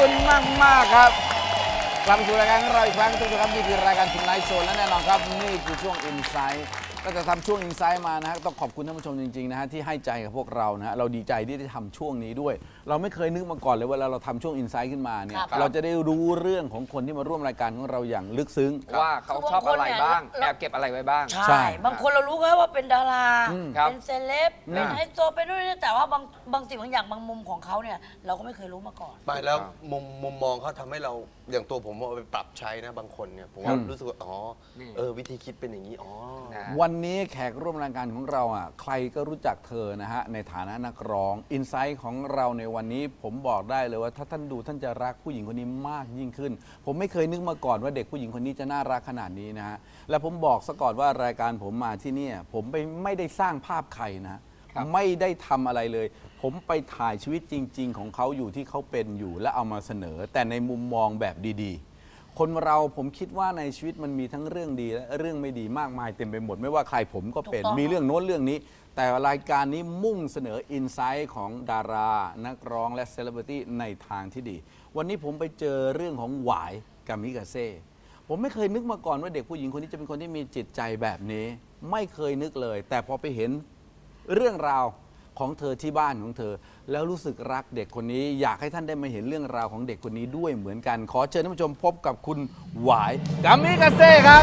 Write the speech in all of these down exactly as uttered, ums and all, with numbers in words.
คุณมากมากครับกลับมาสู่รายการของเราอีกครั้งทุกท่านครับนี่คือรายการทุนไลฟ์โชว์และแน่นอนครับนี่คือช่วง Insight ก็จะทำช่วง Insight มานะฮะต้องขอบคุณท่านผู้ชมจริงๆนะฮะที่ให้ใจกับพวกเรานะฮะเราดีใจที่ได้ทำช่วงนี้ด้วยเราไม่เคยนึกมาก่อนเลยเวลาเราทำช่วง Insight ขึ้นมาเนี่ยเราจะได้รู้เรื่องของคนที่มาร่วมรายการของเราอย่างลึกซึ้งว่าเขาชอบอะไรบ้างแอบเก็บอะไรไว้บ้างใช่บางคนเรารู้แค่ว่าเป็นดาราเป็นเซเลบอืเป็นมไฮโซเป็นนู่นนี่แต่ว่าบางบางสิ่งบางอย่างบางมุมของเขาเนี่ยเราก็ไม่เคยรู้มาก่อนไปแล้วมุมมุมมองเขาทำให้เราอย่างตัวผมเอาไปปรับใช้นะบางคนเนี่ยผมว่าอืมรู้สึกว่าอ๋อเออวิธีคิดเป็นอย่างนี้อ๋อวันนี้แขกร่วมรายการของเราอ่ะใครก็รู้จักเธอนะฮะในฐานะนักร้องอินไซต์ของเราในวันนี้ผมบอกได้เลยว่าถ้าท่านดูท่านจะรักผู้หญิงคนนี้มากยิ่งขึ้น ผมไม่เคยนึกมาก่อนว่าเด็กผู้หญิงคนนี้จะน่ารักขนาดนี้นะฮะและผมบอกซะก่อนว่ารายการผมมาที่เนี่ยผมไปไม่ได้สร้างภาพใครนะไม่ได้ทำอะไรเลย ผมไปถ่ายชีวิตจริง ๆ ของเขาอยู่ที่เขาเป็นอยู่และเอามาเสนอ แต่ในมุมมองแบบดีๆ คนเราผมคิดว่าในชีวิตมันมีทั้งเรื่องดีและเรื่องไม่ดีมากมายเต็มไปหมดไม่ว่าใครผมก็เป็นถูกต้องมีเรื่องโน้นเรื่องนี้ แต่รายการนี้มุ่งเสนออินไซต์ของดารา นักร้องและเซเลบริตี้ในทางที่ดี วันนี้ผมไปเจอเรื่องของหวายกามิกาเซ่ผมไม่เคยนึกมาก่อนว่าเด็กผู้หญิงคนนี้จะเป็นคนที่มีจิตใจแบบนี้ ไม่เคยนึกเลย แต่พอไปเห็นเรื่องราวของเธอที่บ้านของเธอ แล้วรู้สึกรักเด็กคนนี้ อยากให้ท่านได้มาเห็นเรื่องราวของเด็กคนนี้ด้วยเหมือนกัน ขอเชิญท่านผู้ชมพบกับคุณหวายกามิกาเซ่ครับ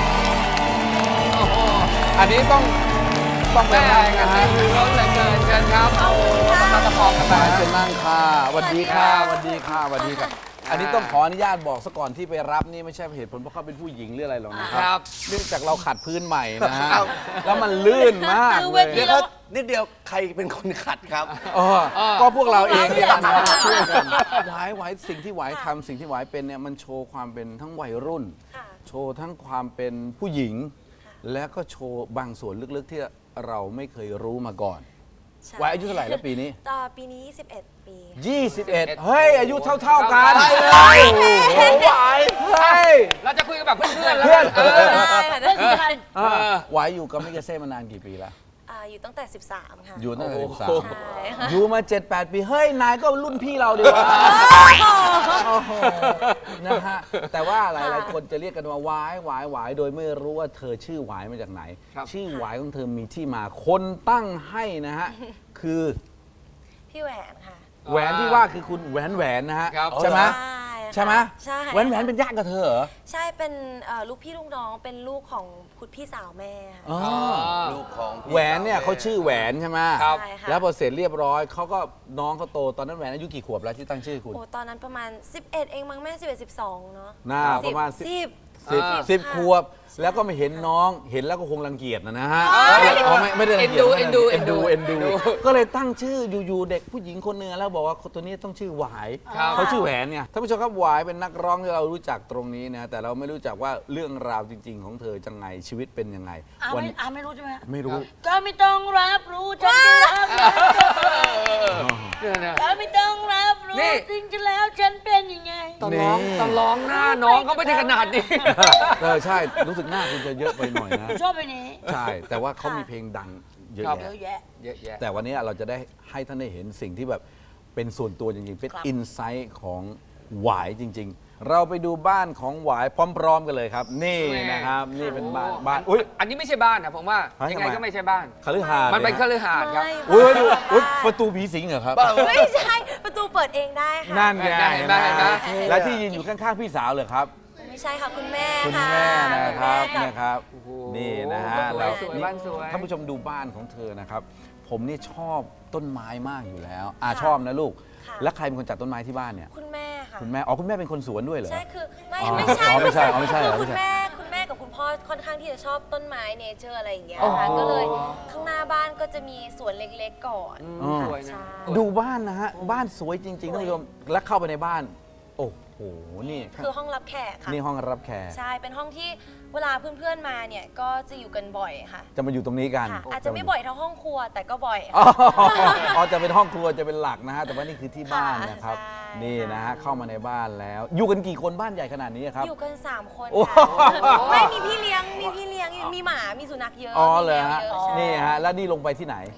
อันนี้ต้องต้องไปแม่นั่งกันะนฮะคือร้อนเหลือเกินเชิญครับโอ้มาตะคองกันมามาเชิญนั่งค่ะสวัสดีค่ะสวัสดีค่ะสวัสดีค่ะอันนี้ต้องขออนุญาตบอกซะก่อนที่ไปรับนี่ไม่ใช่เหตุผลเพราะเขาเป็นผู้หญิงหรืออะไรหรอกนะคครัรับบเนื่องจากเราขัดพื้นใหม่นะฮะแล้วมันลื่นมากคือเลเวย ทีเดี๋ยวครับนิดเดียวใครเป็นคนขัดครับเออก็พวกเราเองเนี่ยนะช่วยกันหวายหวายสิ่งที่หวายทำสิ่งที่หวายเป็นเนี่ยมันโชว์ความเป็นทั้งวัยรุ่น โชว์ทั้งความเป็นผู้หญิง และก็โชว์บางส่วนลึกๆที่เราไม่เคยรู้มาก่อนใช่หวายอายุเท่าไหร่แล้วปีนี้ต่อปีนี้ ยี่สิบเอ็ด ปียี่สิบเอ็ด เฮ้ย อายุเท่า ๆ กันใช่เลยโอ้โหหวายเฮ้ยเราจะคุยกันแบบเพื่อนๆแล้วเพื่อนเออใช่ค่ะเพื่อนคือใครอ่าหวายอยู่กับมิกาเซ่มานานกี่ปีแล้วอ่าอยู่ตั้งแต่ สิบสาม ค่ะอยู่ตั้งแต่สิบสามใช่ค่ะอยู่มา เจ็ดแปด ปี เฮ้ย นายก็รุ่นพี่เราดีกว่าโอ้โหนะฮะ แต่ว่าหลายๆ คนจะเรียกกันว่าหวายหวายหวายโดยไม่รู้ว่าเธอชื่อหวายมาจากไหนครับชื่อหวายของเธอมีที่มา คนตั้งให้นะฮะ คือพี่แหวนค่ะแหวนที่ว่าคือคุณแหวนแหวนนะฮะครับใช่ไหมใช่ใช่ไหมใช่แหวนแหวนเป็นญาติกับเธอเหรอใช่เป็นเอ่อลูกพี่ลูกน้องเป็นลูกของคุณพี่สาวแม่ค่ะอ๋อลูกของพี่แหวนเนี่ยสเขาชื่อแหวนใช่ไหมครับใช่ค่ะแล้วพอเสร็จเรียบร้อยเขาก็น้องเขาโตตอนนั้นแหวนอายุกี่ขวบแล้วที่ตั้งชื่อคุณโอ้ตอนนั้นประมาณ สิบเอ็ด เองมั้งแม่ สิบเอ็ด สิบสอง เนาะน่าประมาณสิบสิบสิบอ่าสิบค่ะขวบ แล้วก็ไม่เห็นน้องเห็นแล้วก็คงรังเกียจนะนะฮะอ๋อไม่ไม่ได้รังเกียจเอ็นดูเอ็นดูเอ็เอ็นนดูดูก็เลยตั้งชื่ออยู่ๆเด็กผู้หญิงคนหนึงแล้วบอกว่าคนตัวนี้ต้องชื่อหวายครับเขาชื่อแหวนเนี่ยท่านผู้ชมครับหวายเป็นนักร้องที่เรารู้จักตรงนี้นะแต่เราไม่รู้จักว่าเรื่องราวจริง ๆ ของเธอจังไงชีวิตเป็นยังไงอาวัไม่อาไม่รู้ใช่ไหมฮะไม่รู้ก็ไม่ต้องรับรู้ฉันจะรักเนี่ยนะก็ไม่ต้องรับรู้นี่จริงๆแล้วฉันเป็นยังไงตอนร้องนี่ตอนร้องหน้าน้องก็ไม่ได้ขนาดนี้เออใช่รู้สึกหน้าคุณจะเยอะไปหน่อยนะชอบไปนี้ใช่แต่ว่าเขามีเพลงดังเยอะครับเยแยะอะแยะเยอะแยะแต่วันนี้เราจะได้ให้ท่านได้เห็นสิ่งที่แบบเป็นส่วนตัวจริงๆ เป็นครับอินไซต์ของหวายจริง ๆ เราไปดูบ้านของหวายพร้อม ๆ กันเลยครับ นี่แม่นะครับ นี่เป็นบ้านบ้านอุ้อุ้ยยอันนี้ไม่ใช่บ้านนะผมว่าเฮ้ยยังไงทำไมก็ไม่ใช่บ้านคฤหาสน์มันเป็นคยฤหาสน์ครับไม่อุ้ยดูบ้านอุ๊ยประตูผีสิงเหรอครับไม่ใช่ประตูเปิดเองได้ค่ะนั่นไงเห็นไหมเห็นไหมและที่ยืนอยู่ข้างๆพี่สาวเลยครับไม่ใช่ค่ะคุณแม่คุณค่ะแม่นะครับณแม่นะครับ นี่นะฮะสวยแล้วสวยนี่บ้านสวยท่านผู้ชมดูบ้านของเธอนะครับ ผมนี่ชอบต้นไม้มากอยู่แล้วอ่าชอบนะลูกค่ะแล้วใครเป็นคนจัดต้นไม้ที่บ้านเนี่ยคุณแม่ค่ะคุณแม่อ๋อคุณแม่เป็นคนสวนด้วยเหรอใช่คือไม่อ๋อไม่ใช่อ๋อไม่ใช่อ๋อไม่ใช่เหรอคือคุณไม่ใช่แม่คุณแม่กับคุณพ่อค่อนข้างที่จะชอบต้นไม้เนเจอร์อะไรอย่างเงี้ยอ๋อค่ะก็เลยข้างหน้าบ้านก็จะมีสวนเล็กๆก่อนอ๋อสวยนะใช่ดูบ้านนะฮะ บ้านสวยจริงๆท่านผู้ชมแล้วเข้าไปในบ้าน โอ้โห นี่คือห้องรับแขกค่ะนี่ห้องรับแขกใช่เป็นห้องที่เวลาเพื่อนๆมาเนี่ยก็จะอยู่กันบ่อยค่ะจะมาอยู่ตรงนี้กันค่ะ อาจจะไม่บ่อยเท่าห้องครัวแต่ก็บ่อยอ๋อค่ะอ๋อจะเป็นห้องครัวจะเป็นหลักนะฮะแต่ว่านี่คือที่บ้านนะครับใช่นี่นะฮะเข้ามาในบ้านแล้ว อยู่กันกี่คนบ้านใหญ่ขนาดนี้ครับอยู่กันสามคนโอ้ค่ะไม่มีพี่เลี้ยงมีพี่เลี้ยงมีหมามีสุนัขเยอะอ๋อมีเลยแมวฮะเยอะใช่นี่ฮะแล้วนี่ลงไปที่ไหนห้องใต้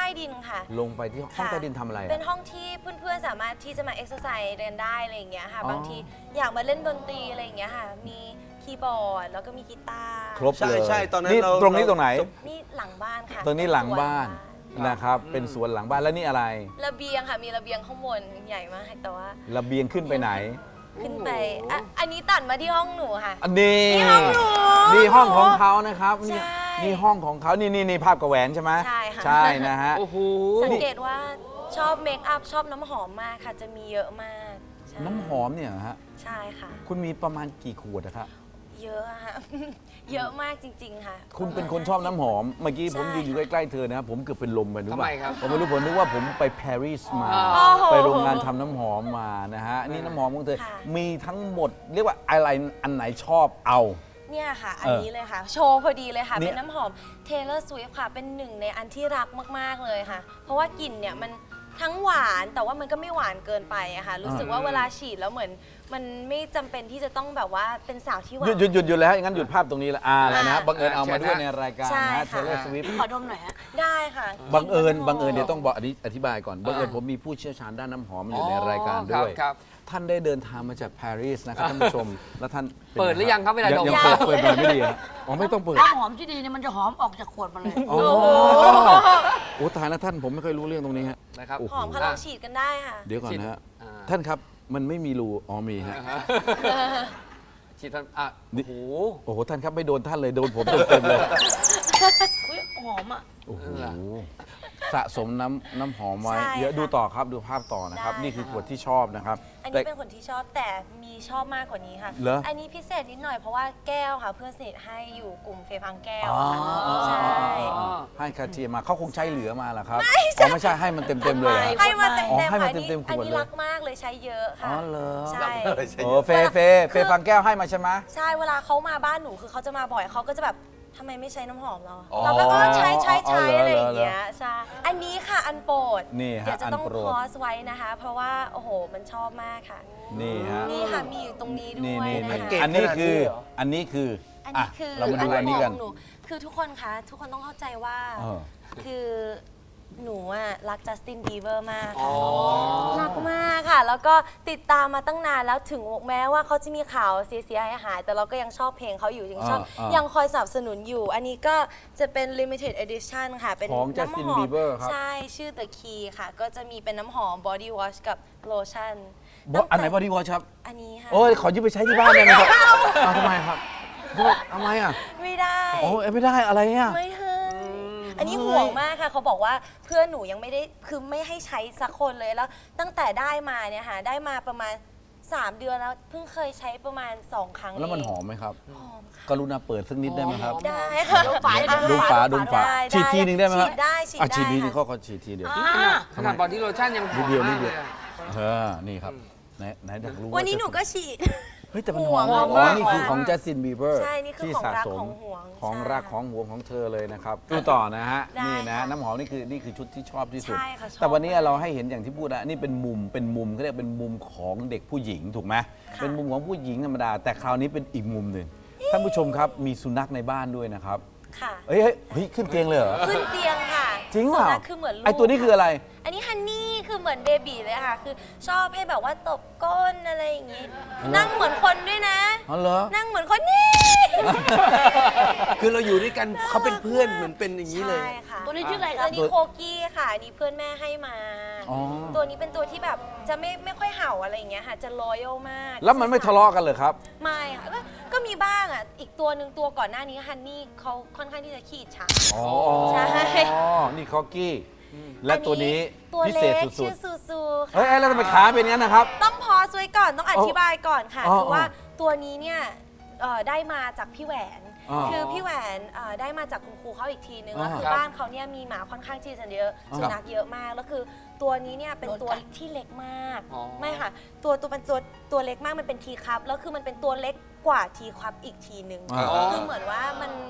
ดินค่ะลงไปที่ห้องใต้ดินทำอะไรอะเป็นห้องที่เพื่อนๆสามารถที่จะมาเอ็กซ์ไซส์เรียนได้อะไรอย่างเงี้ยค่ะอ๋อบางทีอยากมาเล่นดนตรีอะไรอย่างเงี้ยค่ะ มีคีย์บอร์ดแล้วก็มีกีตาร์ครบเลยใช่ใช่ตอนนั้นนี่เราตรงนี้ตรงไหนนี่หลังบ้านค่ะตรงนี้หลังบ้านเป็สวนะครับ เป็นสวนหลังบ้านแล้วนี่อะไรระเบียงค่ะ มีระเบียงข้างบนใหญ่มากแต่ว่าระเบียงขึ้นไปไหนขึ้นไปอ่ะอันนี้ตัดมาที่ห้องหนูค่ะอันนี้นี่ห้องหนูนี่ห้องของเขานะครับนี่ใช่นี่ห้องของเขานี่นี่นี่ภาพกระแหวนใช่ไหมใช่ค่ะใช่นะฮะโอ้โหสังเกตว่าชอบเมคอัพชอบน้ำหอมมากค่ะ จะมีเยอะมากใช่น้ำหอมเนี่ยเหรอฮะใช่ค่ะคุณมีประมาณกี่ขวดนะครับเยอะอะค่ะ เยอะมากจริง ๆ ค่ะคุณเป็นคนชอบน้ำหอม เมื่อกี้ผมใช่ยืนอยู่ใกล้ๆเธอนะครับผมเกือบเป็นลมไปรู้ทำป่ะไมครับผมไม่รู้ผมนึกว่าผมไปปารีสมาอ๋อไปโรงงานทำน้ำหอมมานะฮะ นี่น้ำหอมของเธอค่ะมีทั้งหมด เรียกว่าอะไรอันไหนชอบเอาเนี่ยค่ะ อันเออนี้เลยค่ะ โชว์พอดีเลยค่ะเนี่ยเป็นน้ำหอม Taylor Swift ค่ะ เป็นหนึ่งในอันที่รักมาก ๆ เลยค่ะ เพราะว่ากลิ่นเนี่ยมันทั้งหวานแต่ว่ามันก็ไม่หวานเกินไปอะค่ะ รู้สึกว่าเวลาฉีดแล้วเหมือน มันไม่จำเป็นที่จะต้องแบบว่าเป็นสาวที่หวาหยุดนหยุดหยุดหยุดแล้วงั้นหยุดภาพตรงนี้ละอ่าแล้วนะอ่าบังเอิญเอามาด้วยใช่ในรายการใช่นะค่ะเทเลสวิฟขอดมหน่อยฮะได้ค่ะบังเอิญกลิ่นบังเอิญน้ำหมเดี๋ยวต้องบอกอธิอธิบายก่อนบังเอิญผมมีผู้เชี่ยวชาญด้านน้ำหอมอยู่ในรายการด้วยครับท่านได้เดินทางมาจากปารีสนะครับท่านผู้ชม แล้วท่านนเปิดหรือยังครับเวลาดมยังเปิดเปิดหน่อยไม่ดีฮะอ๋อไม่ต้องเปิดน้ำหอมที่ดีเนี่ยมันจะหอมออกจากขวดมาเลยอ๋อโอ้ตายแล้วท่านผมไม่เคยรู้เรื่องตรงนี้ฮะนะครับโอ้โหอมค่ะลองฉีดกันได้ค่ะเดี๋ยวก่อนนะฮะอ่าท่านครับมันไม่มีรูอ๋อมีฮะฉีดทันอ่ะนี่โอ้โหโอ้โหท่านครับไม่โดนท่านเลยโดนผมเต็มๆเลยอุ้ยหอมอ่ะโอ้โหเหรอสะสมน้ำน้ำหอมไว้ใช่เดี๋ยวค่ะดูต่อครับดูภาพต่อนะครับได้นี่คือค่ะขวดที่ชอบนะครับอันแต่นี้เป็นคนที่ชอบแต่มีชอบมากกว่านี้ค่ะเหรออันนี้พิเศษนิดหน่อยเพราะว่าแก้วค่ะ เพื่อนสนิทให้อยู่กลุ่มเฟย์พังแก้วอ๋อค่ะอ๋อใช่อ๋อให้คาเทียมาเขาคงใช้เหลือมาแหละครับอ๋อไม่ใช่ให้มันเต็มๆเลยเหรอไม่ให้มาเต็มอ๋อเต็มให้มาค่ะอันนี้เต็มๆขวดอันนี้เลยรักมากเลยใช้เยอะอ๋ค่ะอเหรอใช่โอ้เฟย์เฟย์เฟย์ฟังแก้วให้มาใช่ไหมใช่เวลาเขามาบ้านหนูคือเขาจะมาบ่อยเขาก็จะแบบทำไมไม่ใช้น้ำหอมเราอ๋อเราก็เออใช้ใช้อ๋อใช้เหรออะไรอย่างเหรอเงี้ยใช่อันนี้ค่ะอันโปรดนี่ฮะเดี๋ยวจะต้องอันโปรดคอสไว้นะคะ เพราะว่าโอ้โหมันชอบมากค่ะนี่ฮะนี่ค่ะมีอยู่ตรงนี้ด้นี่วยนี่นะนี่คะเก่งอันนี้ขนาดนี้คือเหรออันนี้คืออันอ่ะนี้คือเรามาดูอันนี้กันของหนูคือทุกคนคะทุกคนต้องเข้าใจว่าเออคือหนูอะรักจัสตินบีเบอร์มากอ๋อค่ะรักมากค่ะ แล้วก็ติดตามมาตั้งนานแล้วถึงแม้ว่าเขาจะมีข่าวเสียหายๆแต่เราก็ยังชอบเพลงเขาอยู่ยังชอบอ่าอ่ายัยังคอยสนับสนุนอยู่ อันนี้ก็จะเป็น limited edition ค่ะ เป็นของน้ำห Justin อม Bieber ครับใช่ชื่อ The Key ค่ะ ก็จะมีเป็นน้ำหอม body wash กับ lotion บออันไหนบอดี้วอชครับอันนี้ค่ะโอ้ยขอยืมไปใช้ที่บ้านได้ไหมครับเอาทำไมครับทำไมอ่ะไม่ได้โอ้ยไม่ได้อะไรอ่ะไม่ให้อันนี้ห่วงมากค่ะ เขาบอกว่าเพื่อนหนูยังไม่ได้ คือไม่ให้ใช้สักคนเลย แล้วตั้งแต่ได้มาเนี่ยค่ะ ได้มาประมาณ สาม เดือนแล้ว เพิ่งเคยใช้ประมาณ สอง ครั้งแล้วมันเงหอมไหมครับหอมค่ะกรุณาเปิดสักนิดได้ไหมครับได้ค่ะดมฝาดูฝาดูฝาได้ฉีดทีหนึ่งได้ไหมครับฉีดได้ฉีดอ่ะได้ฉีดทีนึงค่ะเขาขอฉีดทีเดียวอ่าขนาดบอดี้โลชั่นยังหอนิมดเดียวนิมาดกเดีเลยวยอะเออนี่ครับไหนไหนอยากรู้าวันนี้หนูก็จะฉีดเฮ้ยแต่มันหห่อวมงมากหอมอ๋อมากนี่คือของจัสตินบีเบอร์ใช่นี่คือที่ของสะรักสมของหวงของใช่รักของหวงของเธอเลยนะครับดูต่อนะฮะได้นี่นะค่ะน้ำหอมนี่คือนี่คือชุดที่ชอบที่สุดใช่ค่ะชอบแต่วันนี้เราให้เห็นอย่างที่พูดนะนี่เป็นมุมเป็นมุมเขาเรียกเป็นมุมของเด็กผู้หญิงถูกไหมค่ะเป็นมุมของผู้หญิงธรรมดา แต่คราวนี้เป็นอีกมุมหนึ่งท่านผู้ชมครับมีสุนัขในบ้านด้วยนะครับค่ะเฮ้ยเฮ้ยเฮ้ยขึ้นเตียงเลยเหรอขึ้นเตียงค่ะจริงเหรสุอนัขคือเหมือนลูกไอตัวนี้คืออะไรอันนี้ฮันนี่คือเหมือนเบบีเลยค่ะ คือชอบให้แบบว่าตบก้นอะไรอย่างงี้ นั่งเหมือนคนด้วยนะอ๋อเหรอนั่งเหมือนคนนี่คือเราอยู่ด้วยกันเขาเป็นเพื่อนเหมือนเป็นอย่างนี้เลยใช่ค่ะตัวนี้ชื่ออะไรคตัรัวบนี้โคกี้ค่ะอันนี้เพื่อนแม่ให้มาอ๋อตัวนี้เป็นตัวที่แบบจะไม่ไม่ค่อยเห่าอะไรอย่างเงี้ยค่ะ จะรอยัลมากแล้วมันไม่ทะเลาะกันเลยครับไม่ค่ะก็ก็มีบ้างอ่ะ อีกตัวหนึ่งตัวก่อนหน้านี้ฮันนี่เขาค่อนข้างที่จะขี้ฉาอ๋อใช่นี่คอกกี้ และตัวนี้ตัวพิเล็เศษกสุชื่ดอซูซูๆค่ะเฮ้ยเอ้ยแล้วทำไมขาเป็นอย่างนั้นนะครับต้องพอสไว้ก่อนต้องอธิบายก่อนค่ะอ๋อคือว่าตัวนี้เนี่ยเอ่อได้มาจากพี่แหวนอ๋อคือพี่แหวนเอ่อได้มาจากคุณครูเขาอีกทีนึงอ๋อแล้วคือครับบ้านเขาเนี่ยมีหมาค่อนข้างที่จะเยอะอ๋อสุนัขเยอะมากแล้วคือตัวนี้เนี่ยเป็นตัวโดนกัดที่เล็กมากอ๋อไม่ค่ะ ตัวตัวเป็นตัวตัวเล็กมากมันเป็นทีคัพแล้วคือมันเป็นตัวเล็กกว่าทีคัพอีกทีนึงอ๋อคือเหมือนว่ามัน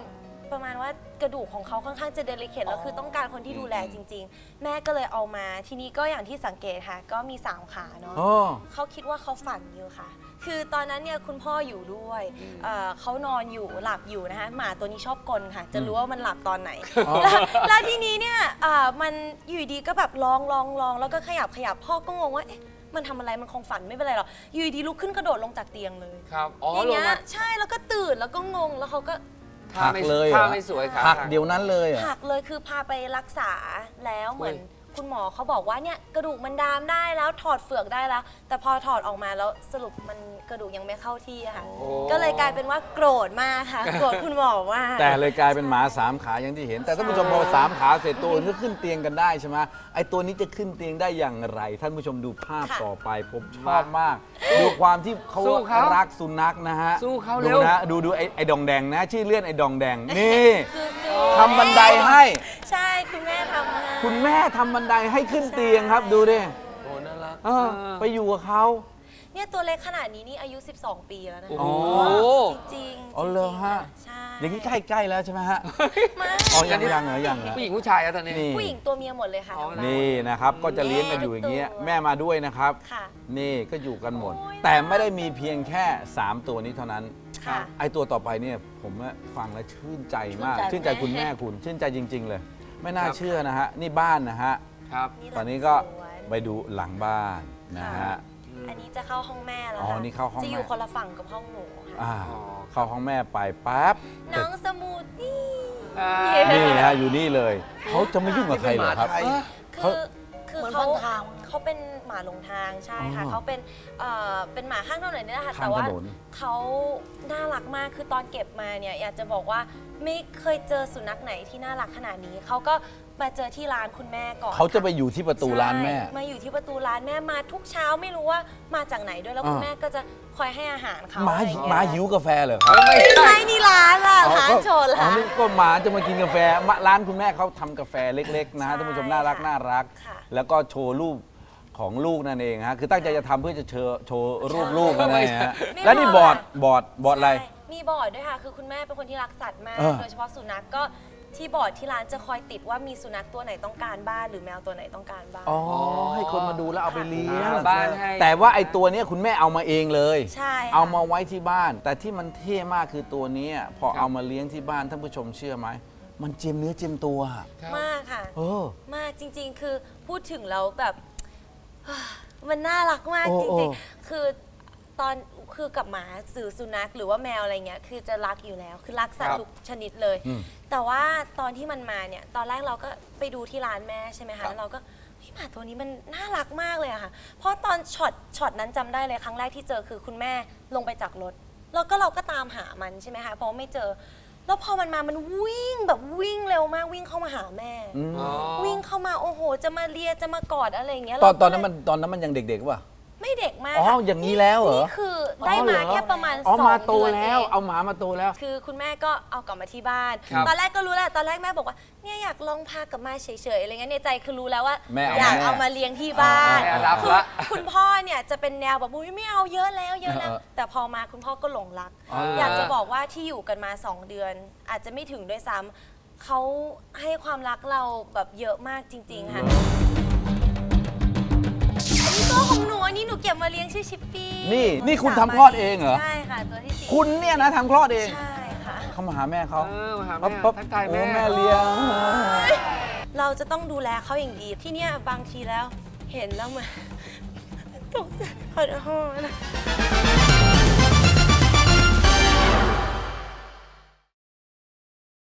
ประมาณว่ากระดูกของเขาค่อนข้างจะเดลิเคทแล้วคือต้องการคนที่ดูแลจริง ๆ แม่ก็เลยเอามาทีนี้ก็อย่างที่สังเกตค่ะ ก็มีสามขาเนาะอ๋อเขาคิดว่าเขาฝันอยู่ค่ะ คือตอนนั้นเนี่ยคุณพ่ออยู่ด้วยเอ่อเขานอนอยู่หลับอยู่นะคะหมาตัวนี้ชอบกลค่ะ จะรู้ว่ามันหลับตอนไหนอ๋อแล้วแล้วทีนี้เนี่ยเอ่อมันอยู่ดีก็แบบร้องร้องร้องแล้วก็ขยับขยับพ่อก็งงว่าเอ๊ะมันทำอะไรมันคงฝันไม่เป็นไรหรอกอยู่ดีลุกขึ้นกระโดดลงจากเตียงเลยครับ อ๋ออย่างลงเงี้ยมาใช่แล้วก็ตื่นแล้วก็งงแล้วเขาก็ท่าไม่หักเลยเหรอท่าไม่สวยครับหักเดี๋ยวนั้นเลยเหรอหักเลยคือพาไปรักษาแล้วเหมือนอุ้ยคุณหมอเขาบอกว่าเนี่ยกระดูกมันดามได้แล้วถอดเฟือกได้แล้ว แต่พอถอดออกมาแล้วสรุปมันกระดูกยังไม่เข้าที่อะค่ะโอ้ก็เลยกลายเป็นว่าโกรธมากค่ะ โกรธคุณหมอมากแต่เลยกลายเป็นหมาสามขาอย่างที่เห็น แต่ท่านผู้ชมพอสามขาเสร็จตัวอื่นก็ขึ้นเตียงกันได้ใช่ไหมไอ้ตัวนี้จะขึ้นเตียงได้อย่างไร ท่านผู้ชมดูภาพค่ะต่อไปผมชอบมาก ดูความที่เขาสู้เขารักสุนัขนะฮะสู้เขาดูเร็วนะดูดูไอ้ไอ้ดองแดงนะชื่อเลื่อนไอ้ดองแดงนี่สู้ๆทำบันไดให้ใช่คุณแม่ทำให้คุณแม่ทำบันไดให้ขึ้นเตียงครับดูดิโอ้น่ารักเออไปอยู่กับเขาเนี่ยตัวเล็กขนาดนี้นี่อายุ สิบสอง ปีแล้วนะโอ้คะโหจริงๆอ๋อเหรอฮะใช่อย่างนี้ใกล้ๆแล้วใช่ไหมฮะมากอ๋อยังยังเหรอยังเหรอผู้หญิงผู้ชายอะตอนนี้นี่ผู้หญิงตัวเมียหมดเลยค่ะอ๋อทั้งบ้านี่นะครับก็จะเลี้ยงกันอยู่อย่างเงี้ยแม่มาด้วยนะครับค่ะนี่ก็อยู่กันหมดโอ้ยแต่ไม่ได้มีเพียงแค่ สาม ตัวนี้เท่านั้นค่ะไอ้ตัวต่อไปเนี่ยผมว่าฟังแล้วชื่นใจมากชื่ชื่นนใจใจคุณแม่คุณ ชื่นใจจริง ๆ เลย ไม่น่าครับเชื่อนะฮะ นี่บ้านนะฮะครับนี่หตลัอง นนี้ก็สวนไปดูหลังบ้านนะฮะอันนี้จะเข้าห้องแม่แล้วอ๋อค่ะนี่เข้าห้องจะอยู่แม่คนละฝั่งกับห้องหนูค่ะอ่าอ๋อเข้าห้องแม่ไปปั๊บน้องสมูทตี้อ่านี่ฮะอยู่นี่เลยเขาจะไม่ยุ่งกับใครเหรอครับนี่เป็นหมาไทยคือคือเหมือนเขาพันทางเขาเป็นหมาหลงทางใช่ค่ะอ๋อเขาเป็นเอ่อเป็นหมาข้างถนนนี่แหละค่ะข้างแต่ว่าถนนเขาน่ารักมากคือตอนเก็บมาเนี่ยอยากจะบอกว่าไม่เคยเจอสุนัขไหนที่น่ารักขนาดนี้เขาก็มาเจอที่ร้านคุณแม่ก่อนเขาจะไปอยู่ที่ประตูร้านแม่ใช่มาอยู่ที่ประตูร้านแม่มาทุกเช้าไม่รู้ว่ามาจากไหนด้วยแล้วคุณอ่าแม่ก็จะคอยให้อาหารเขาหมาอะไรอย่งหเงี้ยมาหิวกาแฟเหรอครับไม่ไม่ใช่ใช่นี่ร้านล่ะอ๋อร้านก็โชว์อ๋อร้านนี่ก็หมาจะมากินกาแฟมะร้านคุณแม่เขาทำกาแฟเล็กๆนะฮะใช่ท่านผู้ชมน่ารักค่ะน่ารักค่ะแล้วก็โชว์รูปของลูกนั่นเองฮะคือตั้งใจจะทำเพื่อจะเชิญโชว์รูปลูกนั่นเองฮะไม่แล้วนี่บบออร์ร์ดดบอร์ดบอร์ดอะไรใช่มีบอร์ดด้วยค่ะ คือคุณแม่เป็นคนที่รักสัตว์มากเออโดยเฉพาะสุนัขก็ที่บอร์ดที่ร้านจะคอยติดว่ามีสุนัขตัวไหนต้องการบ้านหรือแมวตัวไหนต้องการบ้านอ๋อให้คนมาดูแล้วเอาไปเลี้ยงหาบ้านให้แต่ว่าไอ้ตัวเนี้ยคุณแม่เอามาเองเลยใช่ค่ะเอามาไว้ที่บ้าน แต่ที่มันเท่มากคือตัวเนี้ยพอครับเอามาเลี้ยงที่บ้านท่านผู้ชมเชื่อไหมมันเจียมเนื้อเจียมตัวครับมากค่ะเออมากจริง ๆ คือพูดถึงแล้วแบบ มันน่ารักมากโอ้จโอ้ริงๆ คือตอนคือกับหมาสื่อสุนัขหรือว่าแมวอะไรเงี้ยคือจะรักอยู่แล้ว คือรักสัตครัว์บทุกชนิดเลยอืมแต่ว่าตอนที่มันมาเนี่ย ตอนแรกเราก็ไปดูที่ร้านแม่ใช่ไหมครัคะบแล้วเราก็เฮ้ยหมาตัวนี้มันน่ารักมากเลยอะค่ะ เพราะตอนช็อตช็อตนั้นจำได้เลยครั้งแรกที่เจอคือคุณแม่ลงไปจากรถ แล้วก็เราก็ตามหามันใช่ไหมคะ เพราะว่าไม่เจอ แล้วพอมันมา มันวิ่งแบบวิ่งเร็วมากวิ่งเข้ามาหาแม่อืมอ๋อวิ่งเข้ามาโอ้โห จะมาเลียจะมากอดอะไรอย่างเงี้ยตอนเราตก็อนนั้นมันตอนนั้นมันยังเด็กๆป่ะไม่เด็กมากอ๋อค่ะอย่างนี้แล้วเหรอนี่คือได้มาแค่ประมาณอ๋อสองมาโตเดือนแล้วเองเอาหมามาโตแล้วคือคุณแม่ก็เอากลับมาที่บ้านครับตอนแรกก็รู้แหละตอนแรกแม่บอกว่าเนี่ยอยากลองพากลับมาเฉยๆอะไรเงี้ยในใจคือรู้แล้วว่าแม่เอาอยากแม่เอามาเลี้ยงที่บ้านแม่รับคือละคุณพ่อเนี่ยจะเป็นแนวแบบอุ้ยไม่เอาเยอะแล้วเยอะแล้วเออแต่พอมาคุณพ่อก็หลงรักอ๋อเหรออยากจะบอกว่าที่อยู่กันมาสองเดือน อาจจะไม่ถึงด้วยซ้ำเขาให้ความรักเราแบบเยอะมากจริง ๆ ค่ะอันนี้ตัวของหนูอันนี้หนูเก็บมาเลี้ยงชื่อชิปปี้นี่นี่คุณสามทำคลอดเองเหรอใช่ค่ะตัวที่สี่คุณเนี่ยนะทำคลอดเองใช่ค่ะเขามาหาแม่เขาเออมาหาปั๊บแม่ปั๊บทักทายโอ้แม่แม่เลี้ยงเราจะต้องดูแลเขาอย่างดี ที่เนี่ยบางทีแล้ว เห็นแล้วมัน ตกใจขอโทษนะ